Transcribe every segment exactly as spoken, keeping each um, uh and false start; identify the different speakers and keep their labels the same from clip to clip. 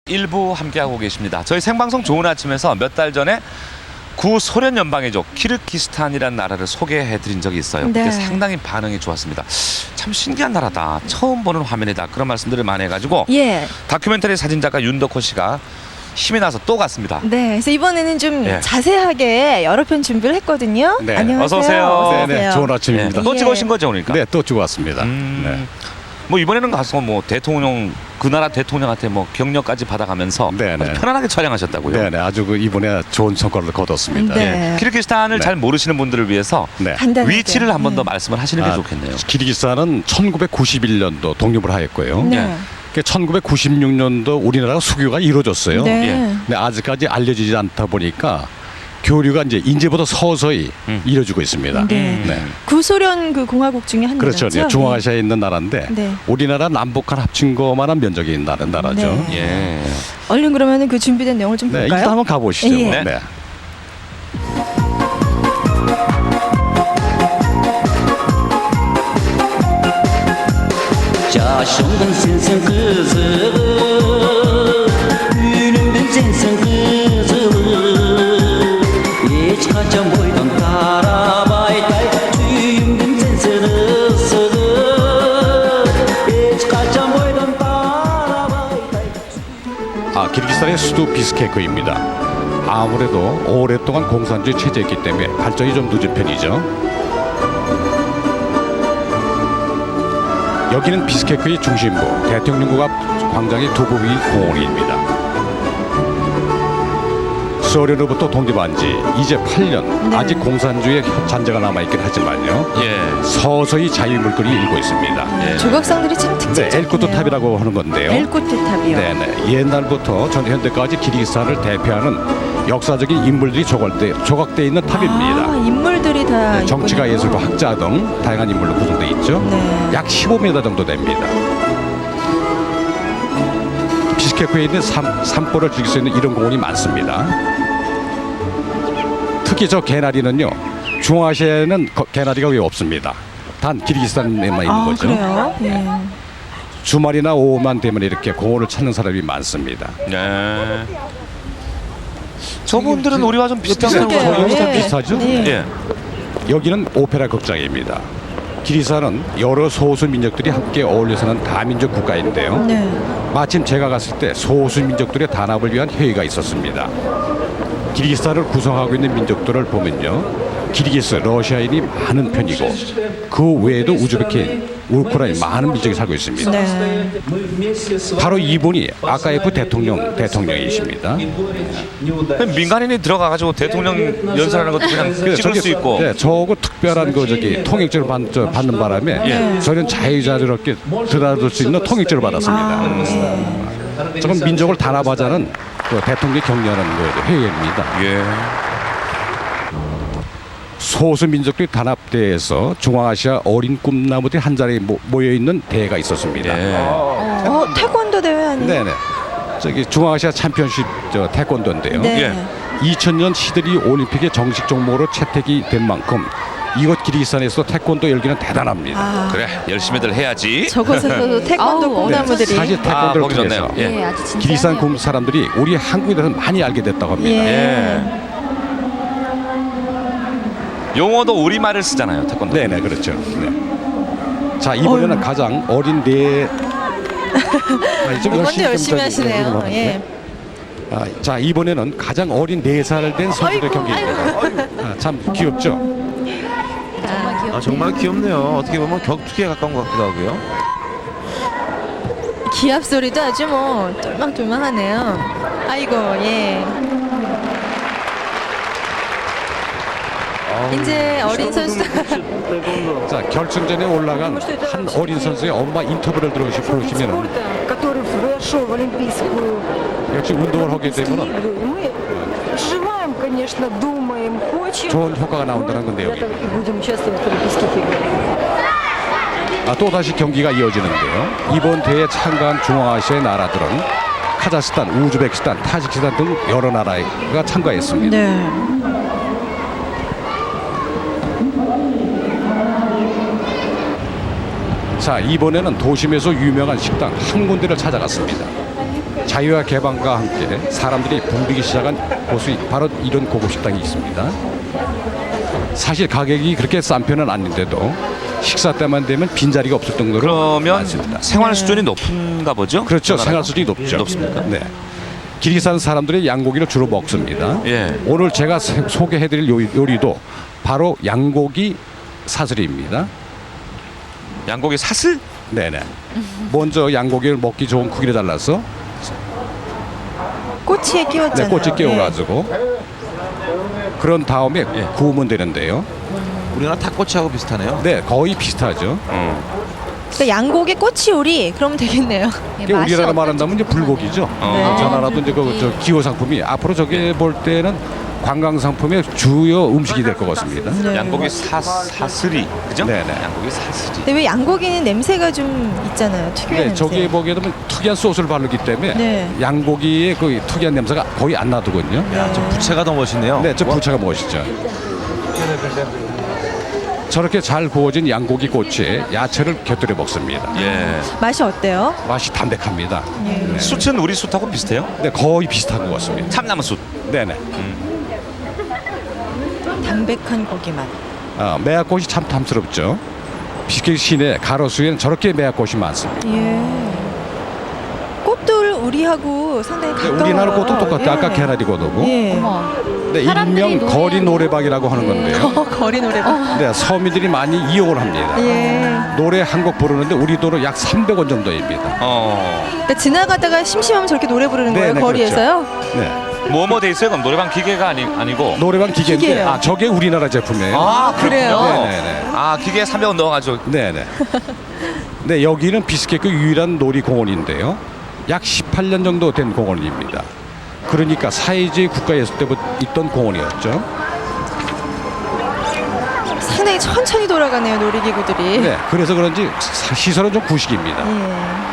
Speaker 1: 일부 함께하고 계십니다. 저희 생방송 좋은 아침에서 몇 달 전에 구소련 연방의족 키르기스탄이라는 나라를 소개해드린 적이 있어요.
Speaker 2: 네.
Speaker 1: 그게 상당히 반응이 좋았습니다. 참 신기한 나라다. 처음 보는 화면이다. 그런 말씀들을 많이 해가지고
Speaker 2: 예.
Speaker 1: 다큐멘터리 사진작가 윤덕호 씨가 힘이 나서 또 갔습니다.
Speaker 2: 네. 그래서 이번에는 좀
Speaker 1: 예.
Speaker 2: 자세하게 여러 편 준비를 했거든요.
Speaker 3: 네.
Speaker 2: 안녕하세요.
Speaker 1: 어서 오세요.
Speaker 2: 어서
Speaker 3: 네, 네,
Speaker 2: 오세요.
Speaker 3: 좋은 아침입니다.
Speaker 1: 네. 또
Speaker 2: 예.
Speaker 1: 찍으신 거죠, 그러니까?
Speaker 3: 네, 또 주고 왔습니다.
Speaker 1: 음,
Speaker 3: 네.
Speaker 1: 뭐 이번에는 가서 뭐 대통령 그 나라 대통령한테 뭐 격려까지 받아가면서
Speaker 3: 네, 네.
Speaker 1: 아주 편안하게 촬영하셨다고요?
Speaker 3: 네, 네, 아주 그 이번에 좋은 성과를 거뒀습니다.
Speaker 2: 네.
Speaker 1: 예. 키르기스탄을
Speaker 3: 네.
Speaker 1: 잘 모르시는 분들을 위해서
Speaker 3: 네.
Speaker 2: 간단하게.
Speaker 1: 위치를 한 번 더
Speaker 2: 네.
Speaker 1: 말씀을 하시는 게
Speaker 3: 아,
Speaker 1: 좋겠네요.
Speaker 3: 키르기스탄은 천구백구십일 년도 독립을 하였고요.
Speaker 2: 네.
Speaker 1: 예.
Speaker 3: 그 천구백구십육 년도 우리나라가 수교가 이루어졌어요.
Speaker 2: 네.
Speaker 1: 예.
Speaker 3: 근데 아직까지 알려지지 않다 보니까 교류가 이제 인제부터 서서히
Speaker 1: 음.
Speaker 3: 이루어지고 있습니다.
Speaker 2: 네.
Speaker 3: 네.
Speaker 2: 구소련 그 공화국 중에 한
Speaker 3: 그렇죠.
Speaker 2: 나라죠.
Speaker 3: 네, 중앙아시아에 있는 나라인데
Speaker 2: 네.
Speaker 3: 우리나라 남북한 합친 것만한 면적이 있는 나라- 나라죠.
Speaker 2: 네.
Speaker 1: 예.
Speaker 2: 얼른 그러면은 그 준비된 내용을 좀
Speaker 3: 네,
Speaker 2: 볼까요?
Speaker 3: 일단 한번 가보시죠.
Speaker 2: 예.
Speaker 3: 뭐.
Speaker 1: 네.
Speaker 3: 네.
Speaker 4: Yaşımdan sensin kızım, günümden sensin kızım. Hiç kaçan boydan tarabayday, tüyümden sensin ısırım. Hiç kaçan boydan tarabayday.
Speaker 3: 아, 키르기스탄의 수도 비스케크입니다. 아무래도 오랫동안 공산주의 체제였기 때문에 발전이 좀 늦은 편이죠. 여기는 비스케크의 중심부 대통령궁 앞 광장의 두부비 공원입니다. 소련으로부터 독립한 지 이제 팔 년.
Speaker 2: 네.
Speaker 3: 아직 공산주의의 잔재가 남아있긴 하지만요.
Speaker 1: 예.
Speaker 3: 서서히 자유물들이 일고 있습니다.
Speaker 1: 예.
Speaker 2: 조각상들이 참
Speaker 3: 네,
Speaker 2: 특징적이네요.
Speaker 3: 엘쿠트 탑이라고 하는 건데요.
Speaker 2: 엘쿠트 탑이요.
Speaker 3: 네네. 옛날부터 전 현대까지 키르기스탄을 대표하는 역사적인 인물들이 조각돼, 조각돼 있는 탑입니다.
Speaker 2: 아, 인물들이 다
Speaker 3: 네, 정치가,
Speaker 2: 있군요.
Speaker 3: 예술가, 학자 등 다양한 인물로 구성되어 있죠.
Speaker 2: 네.
Speaker 3: 약 십오 미터 정도 됩니다. 비스케크에 있는 산, 산보를 즐길 수 있는 이런 공원이 많습니다. 특히 저 개나리는요, 중앙아시아에는 거- 개나리가 왜 없습니다. 단 키르기스탄에만 있는
Speaker 2: 아,
Speaker 3: 거죠.
Speaker 2: 그래요? 예.
Speaker 3: 주말이나 오후만 되면 이렇게 공원을 찾는 사람이 많습니다.
Speaker 1: 네. 저분들은 우리와 좀 비슷한
Speaker 2: 그러게요.
Speaker 1: 거예요.
Speaker 3: 저희랑
Speaker 2: 예.
Speaker 3: 비슷하죠?
Speaker 2: 예.
Speaker 1: 예.
Speaker 3: 여기는 오페라 극장입니다. 키르기스탄은 여러 소수 민족들이 함께 어울려 사는 다민족 국가인데요.
Speaker 2: 네.
Speaker 3: 마침 제가 갔을 때 소수 민족들의 단합을 위한 회의가 있었습니다. 키르기스탄을 구성하고 있는 민족들을 보면요, 키르기스, 러시아인이 많은 편이고 그 외에도 우즈베키인, 우크라이나 많은 민족이 살고 있습니다.
Speaker 2: 네.
Speaker 3: 바로 이분이 아카예프 대통령 대통령이십니다.
Speaker 1: 민간인이 들어가가지고 대통령 연설하는 것도 그냥
Speaker 3: 그래서
Speaker 1: 찍을
Speaker 3: 저기-
Speaker 1: 수 있고.
Speaker 3: 네, 저거 특별한 거 저기 통행증을 받, 저, 받는 바람에
Speaker 1: 예.
Speaker 3: 저는 자유자재롭게 드나들 수 있는 통행증을 받았습니다.
Speaker 2: 아, 네.
Speaker 3: 저건 민족을 단합하자는 그 대통령이 격려하는 그 회의입니다.
Speaker 1: 예.
Speaker 3: 소수 민족들이 단합대회에서 중앙아시아 어린 꿈나무들이 한 자리에 모- 모여 있는 대회가 있었습니다.
Speaker 1: 예.
Speaker 2: 어, 태권도 대회 아니에요?
Speaker 3: 네네. 저기 중앙아시아 챔피언십 저 태권도인데요.
Speaker 2: 네.
Speaker 1: 예.
Speaker 3: 이천 년 시드니 올림픽의 정식 종목으로 채택이 된 만큼 이곳 키르기스탄에서 태권도 열기는 대단합니다.
Speaker 2: 아,
Speaker 1: 그래, 열심히들 해야지.
Speaker 2: 저곳에서도 태권도
Speaker 5: 아우,
Speaker 3: 네,
Speaker 2: 꿈나무들이.
Speaker 3: 사실
Speaker 1: 아,
Speaker 3: 태권도를
Speaker 1: 거기 좋네요.
Speaker 3: 통해서
Speaker 1: 예.
Speaker 5: 예, 아주 진짜.
Speaker 3: 키르기스탄 군 사람들이 우리 한국에 대해서 많이 알게 됐다고 합니다.
Speaker 2: 예.
Speaker 1: 예. 용어도 우리말을 쓰잖아요, 태권도.
Speaker 3: 네네, 그렇죠. 네. 자, 이번에는
Speaker 2: 어휴.
Speaker 3: 가장 어린 네. 아, 좀
Speaker 2: 먼저 열심히
Speaker 3: 좀 저기
Speaker 2: 하시네요.
Speaker 3: 궁금하네.
Speaker 2: 예.
Speaker 3: 아, 자, 이번에는 가장 어린 네 살 된 선수들 경기입니다. 아, 참 귀엽죠?
Speaker 5: 정말 귀엽.
Speaker 6: 아, 정말 귀엽네요. 어떻게 보면 격투기에 가까운 것 같기도 하고요.
Speaker 2: 기합 소리도 아주 뭐 똘망똘망하네요. 아이고, 예. 이제 어린 선수.
Speaker 3: 자, 결승전에 올라간 한 어린 선수의 엄마 인터뷰를 들어보시- 들어보시면
Speaker 7: который вошел в Олимпийскую
Speaker 3: 역시 운동을 하게 되면
Speaker 7: игру. И мы желаем, конечно, думаем, хочем.
Speaker 3: 좋은 효과가 나온다는 건데요.
Speaker 7: И будем участвовать в Олимпийских играх.
Speaker 3: 아, 또 다시 경기가 이어지는데요. 이번 대회에 참가한 중앙아시아의 나라들은 카자흐스탄, 우즈베키스탄, 타지키스탄 등 여러 나라가 참가했습니다.
Speaker 2: 네.
Speaker 3: 자, 이번에는 도심에서 유명한 식당 한 군데를 찾아갔습니다. 자, 자유와 개방과 함께 사람들이 붐비기 시작한 곳이 바로 이런 고급 식당이 있습니다. 사실 가격이 그렇게 싼 편은 아닌데도 식사 때만 되면 빈자리가 없을 정도로
Speaker 1: 그러면
Speaker 3: 많습니다.
Speaker 1: 생활 수준이 높은가 보죠?
Speaker 3: 그렇죠.
Speaker 1: 저
Speaker 3: 생활
Speaker 1: 나라가?
Speaker 3: 수준이 높죠.
Speaker 1: 높습니까?
Speaker 3: 네. 기르기스탄 사람들이 양고기를 주로 먹습니다.
Speaker 1: 예.
Speaker 3: 오늘 제가 세- 소개해드릴 요리, 요리도 바로 양고기 사슬입니다.
Speaker 1: 양고기 사슬?
Speaker 3: 네네. 먼저 양고기를 먹기 좋은 크기로 잘라서
Speaker 2: 꼬치에
Speaker 3: 네,
Speaker 2: 끼웠잖아요.
Speaker 3: 꼬치 끼워가지고 그런 다음에
Speaker 1: 예.
Speaker 3: 구우면 되는데요.
Speaker 6: 우리나라 닭꼬치하고 비슷하네요.
Speaker 3: 네, 거의 비슷하죠.
Speaker 2: 그러니까 양고기 꼬치 요리 그러면 되겠네요.
Speaker 5: 예,
Speaker 3: 이게
Speaker 5: 맛이
Speaker 3: 우리나라
Speaker 5: 어떤지
Speaker 3: 말한다면 이제 불고기죠.
Speaker 1: 어.
Speaker 3: 저 나라도 이제 그 저 기호 상품이 앞으로 저게 볼 때는 관광 상품의 주요 음식이 될 것 같습니다.
Speaker 2: 네.
Speaker 1: 양고기 사, 사슬이 그죠?
Speaker 3: 네네.
Speaker 1: 양고기 사슬이.
Speaker 2: 근데 왜 양고기는 냄새가 좀 있잖아요. 특유의
Speaker 3: 네,
Speaker 2: 냄새.
Speaker 3: 저기에 보게 되면 특이한 소스를 바르기 때문에
Speaker 2: 네.
Speaker 3: 양고기의 그 특이한 냄새가 거의 안 나더군요.
Speaker 6: 야, 저 부채가 더 멋있네요.
Speaker 3: 네, 저 부채가 멋있죠. 저렇게 잘 구워진 양고기 꼬치에 야채를 곁들여 먹습니다.
Speaker 1: 예.
Speaker 2: 맛이 어때요?
Speaker 3: 맛이 담백합니다. 네.
Speaker 1: 숯은 우리 숯하고 비슷해요?
Speaker 3: 네, 거의 비슷한 것 같습니다.
Speaker 1: 참나무 숯.
Speaker 3: 네네.
Speaker 2: 담백한 고기 맛.
Speaker 3: 아, 매화꽃이 참 탐스럽죠. 비스킷 시내 가로수에는 저렇게 매화꽃이 많습니다.
Speaker 2: 예. 꽃들 우리하고 상당히
Speaker 3: 네,
Speaker 2: 가까워요.
Speaker 3: 우리나라 꽃도 똑같아요.
Speaker 2: 예.
Speaker 3: 아까 개나리꽃하고.
Speaker 2: 예.
Speaker 5: 어머.
Speaker 3: 네,
Speaker 5: 사람들이
Speaker 3: 일명
Speaker 5: 노래하는-
Speaker 3: 거리 노래방이라고 하는 건데요.
Speaker 2: 거리 노래방.
Speaker 3: 네, 서민들이 많이 이용을 합니다.
Speaker 2: 예.
Speaker 3: 노래 한 곡 부르는데 우리 돈으로 약 삼백 원 정도입니다.
Speaker 1: 어.
Speaker 2: 그러니까 지나가다가 심심하면 저렇게 노래 부르는
Speaker 3: 네,
Speaker 2: 거예요.
Speaker 3: 네,
Speaker 2: 거리에서요.
Speaker 3: 네,
Speaker 1: 뭐뭐 돼 있어요? 그럼 노래방 기계가 아니, 아니고.
Speaker 3: 노래방 기계인데
Speaker 2: 기계예요.
Speaker 3: 아 저게 우리나라 제품이에요.
Speaker 1: 아,
Speaker 2: 그래요?
Speaker 1: 그래요?
Speaker 3: 네네네.
Speaker 1: 아, 기계에 삼백 원 넣어가지고.
Speaker 3: 네네. 네, 여기는 비스케크 유일한 놀이공원인데요. 약 십팔 년 정도 된 공원입니다. 그러니까 사회주의 국가에 있을 때부터 있던 공원이었죠.
Speaker 2: 상당히 천천히 돌아가네요. 놀이기구들이.
Speaker 3: 네, 그래서 그런지 사- 시설은 좀 구식입니다.
Speaker 2: 예.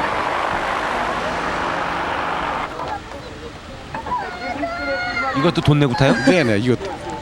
Speaker 6: 이것도 돈 내고 타요?
Speaker 3: 네네, 이거.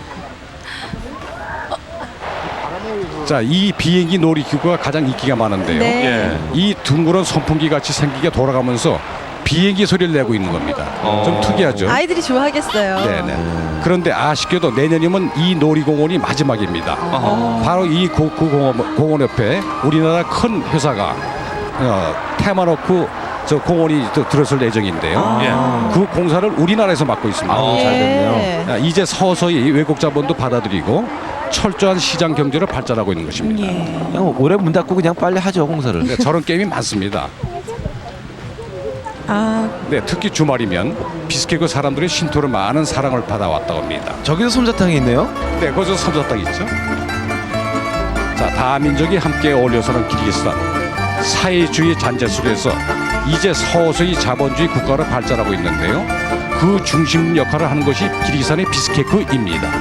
Speaker 3: 자, 이 비행기 놀이기구가 가장 인기가 많은데요.
Speaker 2: 네.
Speaker 1: 예.
Speaker 3: 이 둥그런 선풍기 같이 생기게 돌아가면서 비행기 소리를 내고 있는 겁니다.
Speaker 1: 어.
Speaker 3: 좀 특이하죠.
Speaker 2: 아이들이 좋아하겠어요.
Speaker 3: 네네. 그런데 아쉽게도 내년이면 이 놀이공원이 마지막입니다.
Speaker 1: 어허.
Speaker 3: 바로 이 고- 그 공원, 공원 옆에 우리나라 큰 회사가 어, 테마노크 저 공원이 또 들어설 예정인데요.
Speaker 1: 예.
Speaker 3: 그 공사를 우리나라에서 맡고 있습니다.
Speaker 1: 아우,
Speaker 2: 예.
Speaker 1: 잘
Speaker 6: 됐네요.
Speaker 3: 아, 이제 서서히 외국 자본도 받아들이고 철저한 시장 경제를 발전하고 있는 것입니다.
Speaker 2: 예.
Speaker 6: 그냥 올해 문 닫고 그냥 빨리 하죠 공사를.
Speaker 3: 네, 저런 게임이 많습니다.
Speaker 2: 아,
Speaker 3: 네, 특히 주말이면 비스케크 사람들의 신토를 많은 사랑을 받아왔다고 합니다.
Speaker 6: 저기도 솜사탕이 있네요.
Speaker 3: 네, 거기서 솜사탕 있죠. 자, 다민족이 함께 어울려서는 기르기스탄 사회주의 잔재 속에서 이제 서서히 자본주의 국가로 발전하고 있는데요. 그 중심 역할을 하는 것이 기르기스탄의 비스케크입니다.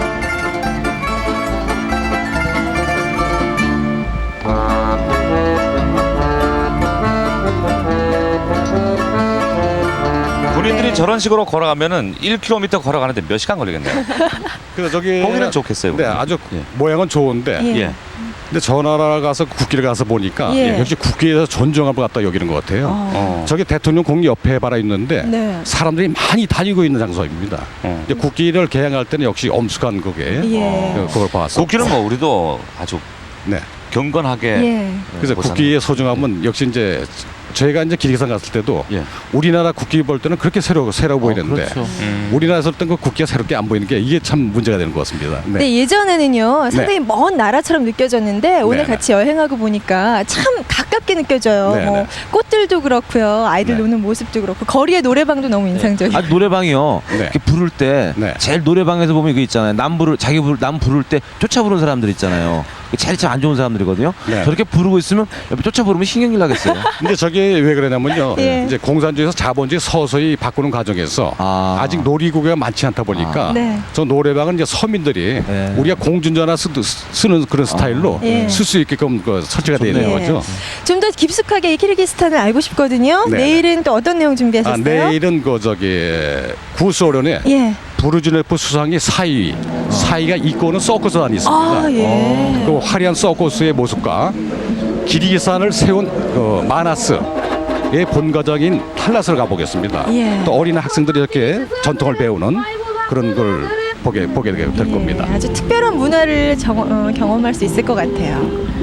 Speaker 1: 군인들이 저런 식으로 걸어가면은 일 킬로미터 걸어가는데 몇 시간 걸리겠네요.
Speaker 3: 그래서 저기
Speaker 1: 보기는 좋겠어요.
Speaker 3: 네, 아주
Speaker 1: 예.
Speaker 3: 모양은 좋은데
Speaker 2: 예.
Speaker 1: 예.
Speaker 3: 근데 저 나라 가서 국기를 가서 보니까
Speaker 2: 예.
Speaker 3: 역시 국기에서 존중함을 갖다 여기는 것 같아요.
Speaker 1: 어.
Speaker 3: 저기 대통령 공 옆에 바라 있는데
Speaker 2: 네.
Speaker 3: 사람들이 많이 다니고 있는 장소입니다.
Speaker 1: 어.
Speaker 3: 이제 국기를 개항할 때는 역시 엄숙한 그게
Speaker 2: 예.
Speaker 3: 어, 그걸 봤어.
Speaker 1: 국기는 뭐 우리도 아주
Speaker 3: 네.
Speaker 1: 경건하게.
Speaker 2: 예.
Speaker 3: 그래서
Speaker 1: 보상.
Speaker 3: 국기의 소중함은 역시 이제 저희가 이제 기리기산 갔을 때도
Speaker 1: 예.
Speaker 3: 우리나라 국기 볼 때는 그렇게 새로 새로 보이는데
Speaker 6: 그렇죠.
Speaker 1: 음.
Speaker 3: 우리나라에서 어떤 그 국기가 새롭게 안 보이는 게 이게 참 문제가 되는 것 같습니다. 네.
Speaker 2: 근데 예전에는요 상당히 먼 나라처럼 느껴졌는데 오늘
Speaker 3: 네네.
Speaker 2: 같이 여행하고 보니까 참 가깝게 느껴져요.
Speaker 3: 네네.
Speaker 2: 뭐 꽃들도 그렇고요, 아이들
Speaker 3: 네.
Speaker 2: 노는 모습도 그렇고 거리의 노래방도 너무 인상적이에요.
Speaker 6: 아 노래방이요.
Speaker 3: 네.
Speaker 6: 이렇게 부를 때
Speaker 3: 네.
Speaker 6: 제일 노래방에서 보면 이거 있잖아요. 남 부를 자기 부를 남 부를 때 쫓아 부르는 사람들 있잖아요. 제일 참 안 좋은 사람들이거든요.
Speaker 3: 네.
Speaker 6: 저렇게 부르고 있으면 옆에 쫓아 부르면 신경질 나겠어요.
Speaker 3: 근데 저게 왜 그러냐면요.
Speaker 2: 예.
Speaker 3: 이제 공산주의에서 자본주의 서서히 바꾸는 과정에서
Speaker 6: 아.
Speaker 3: 아. 직 놀이기구가 많지 않다 보니까
Speaker 2: 아. 네.
Speaker 3: 저 노래방은 이제 서민들이
Speaker 6: 네.
Speaker 3: 우리가 공중전화 쓰, 쓰는 그런 스타일로
Speaker 2: 예.
Speaker 3: 쓸 수 있게끔 그 설치가 되어 있는
Speaker 2: 예.
Speaker 3: 거죠.
Speaker 2: 좀 더 깊숙하게 이 키르기스탄을 알고 싶거든요.
Speaker 3: 네.
Speaker 2: 내일은 또 어떤 내용
Speaker 3: 아,
Speaker 2: 준비하셨어요?
Speaker 3: 내일은 그 저기 구소련에
Speaker 2: 예.
Speaker 3: 부르즈네프 수상이 사위, 사위가 이끄는 서커스 단이 있습니다.
Speaker 2: 아 예.
Speaker 3: 그 화려한 서커스의 모습과 기리기산을 세운 그 마나스 본가적인 탈라스를 가보겠습니다.
Speaker 2: 예.
Speaker 3: 또 어린 학생들이 이렇게 전통을 배우는 그런 걸 보게 보게 될
Speaker 2: 예,
Speaker 3: 겁니다.
Speaker 2: 아주 특별한 문화를 정, 어, 경험할 수 있을 것 같아요.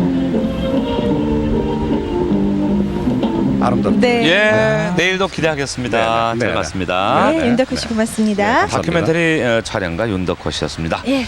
Speaker 3: 아름답죠.
Speaker 2: 네.
Speaker 1: 예, 내일도 기대하겠습니다.
Speaker 3: 네, 네,
Speaker 1: 잘
Speaker 3: 네, 네.
Speaker 1: 봤습니다.
Speaker 2: 네,
Speaker 3: 네,
Speaker 2: 윤덕호 씨
Speaker 3: 네.
Speaker 2: 고맙습니다.
Speaker 3: 네, 감사합니다.
Speaker 1: 다큐멘터리 어, 촬영가 윤덕호 씨였습니다.
Speaker 2: 예.